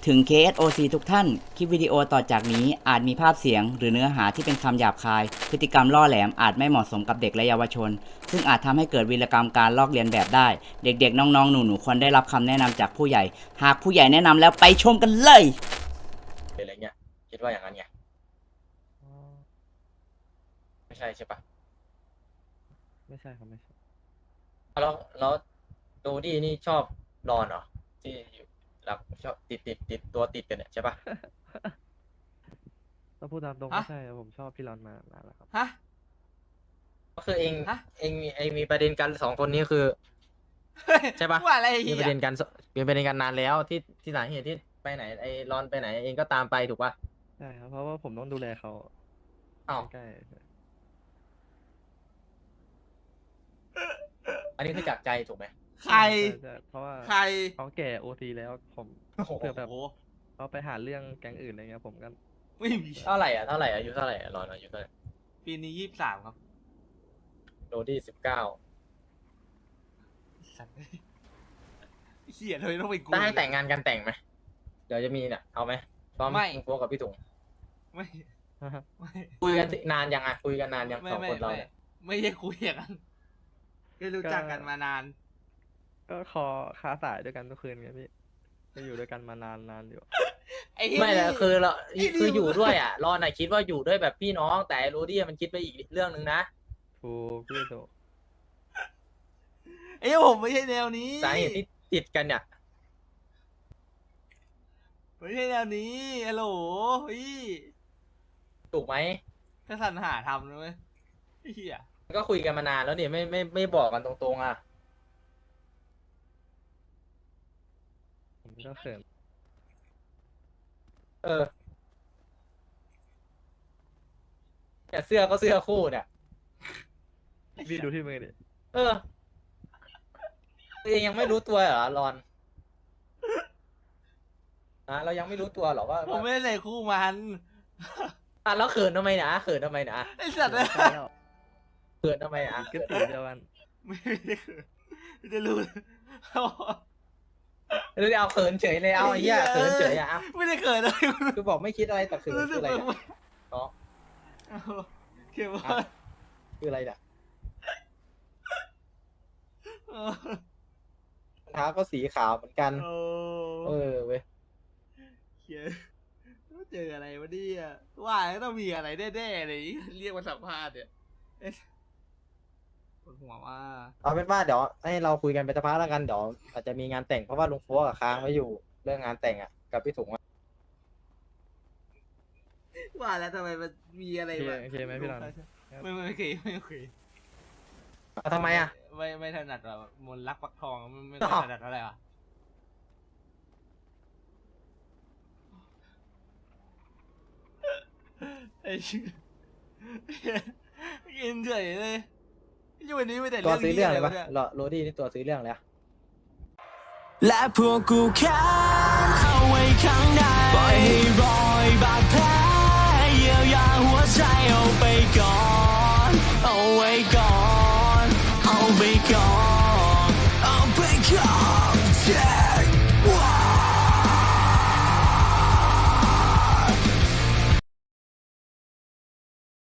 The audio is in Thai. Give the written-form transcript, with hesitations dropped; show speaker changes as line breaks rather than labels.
ถึง KSOC ทุกท่าน คลิปวิดีโอต่อจากนี้อาจมีภาพเสียงหรือเนื้อหาที่เป็นคำหยาบคาย พฤติกรรมล่อแหลมอาจไม่เหมาะสมกับเด็กและเยาวชน ซึ่งอาจทำให้เกิดวีรกรรมการลอกเลียนแบบได้ เด็กๆ น้องๆ หนูๆ ควรได้รับคำแนะนำจากผู้ใหญ่ หากผู้ใหญ่แนะนำแล้วไปชมกันเลย
อะไรเงี้ยคิดว่าอย่างนั้นไงไม่ใช่ใช่ปะ
ไม่ใช่ครับไม่ใช่
แล้วโดดี้นี่ชอบรอนเหรอที่อยู่หลักชอบติดตัวติดกันเนี่ยใช่ปะ
ถ้าพูดตามตรง
ฮะ
ไม่ใช่ครับผมชอบพี่รอนมานานแล้วครับ
ฮะ
ก็คือเอง
ฮะ
มีประเด็นกันสองคนนี้คือ ใช่ปะ
ว่าอะไร
มี
เหี้
ประเด็
ย
นกันมีประเด็นกันนานแล้วที่สาเหตุที่ไปไหนไอ้รอนไปไหนเองก็ตามไปถูกปะ
ใช่ครับเพราะว่าผมต้องดูแลเขา
อ้าว
ใกล้
อันนี้คือจากใจถูกไหม
ใคร
ใช่เพราะว่า
ใคร
เขาแก่โอทีแล้วผม
โอ้โห
เผื่อแบบ
โอ้โห
เขาไปหาเรื่องแก๊งอื่นอะไรเงี้ยผมก็
ไม่มี
เท่าไหร่อายุเท่าไหร่รอนอายุเท่าไหร่
ปีนี้23 ครับ
โดดี้19
สัตว์เหี้ยเลยต้องไปกู
ถ้าให้แต่งงานกันแต่งไหมเดี๋ยวจะมีเนี่ยเอาไหมพร้อม
ไม่
ลุงโฟกับพี่ถุง
ไม่ไม่
คุยกันนานยังคุยกันนานยัง
ไม่
สอง
ไม่
คนเรา
ไม่
เนี่ย
ไม่ได้คุยอย่างนั้นก็รู้จักกันมานาน
ก็คอค้าสายด้วยกันทุกคืนไงพี่ก็อยู่ด้วยกันมานานอยู่
ไอ้เหี้ย
ไม่แล้วคือเรา
ไอ้นี่
คืออยู่ด้วยอ่ะรอนน่ะคิดว่าอยู่ด้วยแบบพี่น้องแต่ไอ้โรดี้มันคิดไปอีกเรื่องหนึ่งนะ
ถูกพี่ถูก
ไอ้เหี้ยผมไม่ใช่แนวนี้
สาเหตุที่ติดกันเนี่ย
ไม่ใช่แนวนี้ฮัลโหลพี่
ถูกไหม
ก็สรรหาทำนะเว้ยไอ้เหี้ย
ก็คุยกันมานานแล้วเนี่ยไม่บอกกันตรงๆอ่ะ
ผมก็เขิน
เออแต่เสื้อก็เสื้อคู่เนี่ย
พี่ดูที่มือดิ
เออตัวเองยังไม่รู้ตัวเหรอรอนนะเรายังไม่รู้ตัวเหรอว่า
ผมไม่ได้ใส่คู่มัน
อ่ะแล้วเขินทำไมนะเขินทำไมนะ
ไอ้สัตว์เลย
ใช่แล้ว
เขินทำไมนะ
ก็ตีเดียวกัน
ไม่ได้เขินไม่ได้รู้
หรือเอาเขินเฉยเลยเอาไอ้เหี้ยเขินเฉยอ่ะ
ไม่ได้เขินเลย
คือบอกไม่คิดอะไรแต่เขิน
รู้
คื
สึ
อก อะไร
แบบ
เนี่ยอ๋อ
เก็บไว้
คืออะไรเนี่ย
เออ
รองเท้าก็สีขาวเหมือนกัน
โอ้
เออเว้ย
เขียนเจออะไรวะเนี่ยว่าแล้วต้องมีอะไรแน่ๆเลยเรียกมาสัมภาษณ์เนี่ยเอ๊ะปวดหัวว่า
เอาเป็นว่าเดี๋ยวให้เราคุยกันไปสักพักแล้วกันเดี๋ยวอาจจะมีงานแต่งเพราะว่าลุงโฟกับค้างไว้อยู่เรื่องงานแต่งอ่ะกับพี่ถุงอะ
ว่าแล้วทำไมมันมีอะไร
โอเค
แบบ
โอเคไหมพี่รอน
ไม่เคยไม่เคย
เอาทำไมอ่ะ
ไม่ถนัดแบบมนต์รักปักทองไม่
อ้าว
ถนัดอะไรอ่ะไอ้ชิกินเฉยเลยอยู่วันนี้ไม่แต่
ตัว
เรื่อง
ซื้อ
นี้
เรื่องเลย
ว
ปะโรดี้นี่ตัวซื้อเรื่องเลยอะ
และพวกกูแค้นเอาไว้ข้างในปล่อยให้รอยบาดแผลเยียวยาหัวใจเอาไปก่อน เอาไว้ก่อน เอาไปก่อน เอาไปก่อน